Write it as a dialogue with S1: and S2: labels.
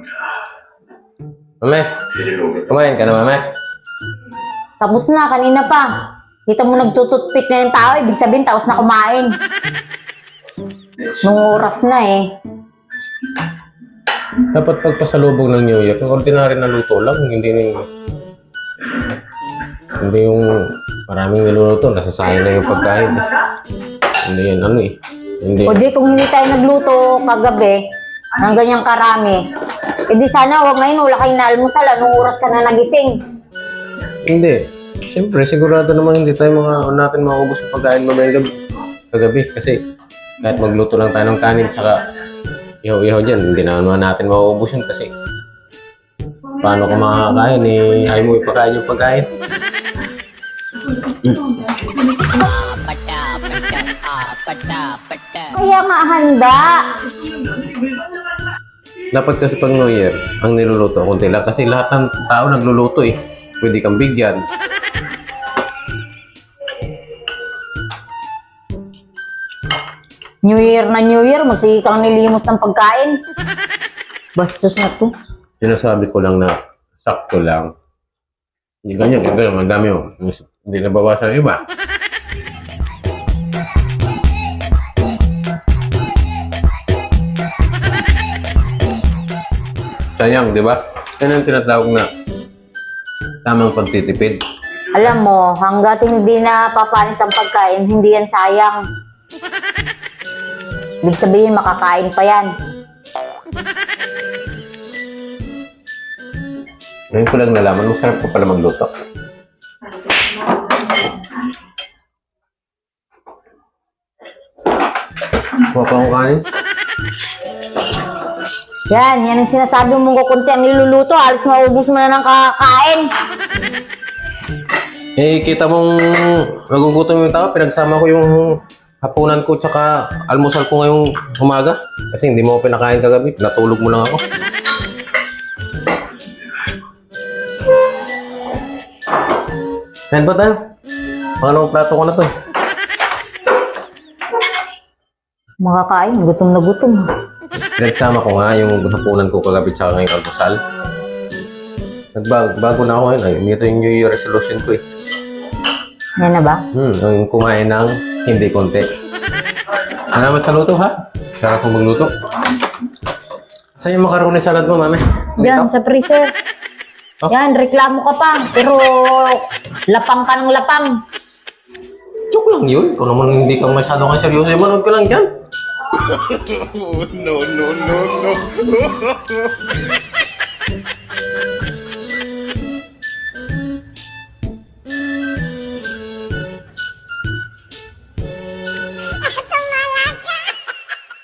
S1: Mame, kumain ka na, mame?
S2: Tapos na, kanina pa. Kita mo nagtututpik na yung tao, ibig sabihin, tapos na kumain. Nung oras na eh.
S1: Dapat pagpasalubong ng New Year, yung ordinary na luto lang, hindi yung maraming niluluto, nasasayang na yung pagkain. Hindi yan ano eh. Hindi.
S2: O di, kung hindi tayo nagluto kagabi, ng ganyang karami, edi sana huwag ngayon, wala kayo na almusal, anong oras ka na nagising?
S1: Hindi. Siyempre, sigurado naman hindi tayo natin maubos yung pagkain mamayang kagabi. Kasi kahit magluto lang tayo ng kanin, saka ihaw-ihaw dyan, hindi naman natin maubos yun kasi paano ka makakain eh, ayaw mo ipakain yung pagkain.
S2: Kaya nga handa.
S1: Dapat kasi pag New Year, ang niluluto, kunti lang. Kasi lahat ng tao nagluluto eh. Pwede kang bigyan.
S2: New Year na New Year, magsige kang nilimos ng pagkain. Bastos na to.
S1: Sinasabi ko lang na sakto lang. Hindi ganyan, ang dami mo. Hindi nabawasan yung iba. Sayang, di ba? Yan ang tinatawag na tamang pagtitipid.
S2: Alam mo, hanggat hindi na papanis ang pagkain, hindi yan sayang. Ibig sabihin, makakain pa yan.
S1: Ngayon ko lang nalaman, masarap ko pala magluto. Kuha pa akong kanin.
S2: Yan ang sinasabi mong kukunti ang niluluto. Halos maubos mo na ng kakain.
S1: Eh, kita mong nagugutom yung tao, pinagsama ko yung hapunan ko tsaka almusal ko ngayong umaga. Kasi hindi mo ako pinakain kagabi, natulog mo lang ako. Yan ba tayo? Pangalawang plato ko na to.
S2: Makakain, gutom na gutom.
S1: Pinagsama ko nga yung hapunan ko kagabi tsaka ngayong almusal. Nagbago na ako ngayon. Ay, ito yung New Year resolution ko eh.
S2: Yan na ba?
S1: Yung kumain ng hindi konti. Salamat sa luto ha. Sarap kong magluto. Saan yung macaroni salad mo, mami?
S2: Yan, sa freezer.
S1: Oh.
S2: Yan, reklamo ka pa. Pero lapang ka ng lapang.
S1: Joke lang yun. Kung naman hindi ka masyado kang seryoso, manood ka lang dyan.
S3: No, no, no, no.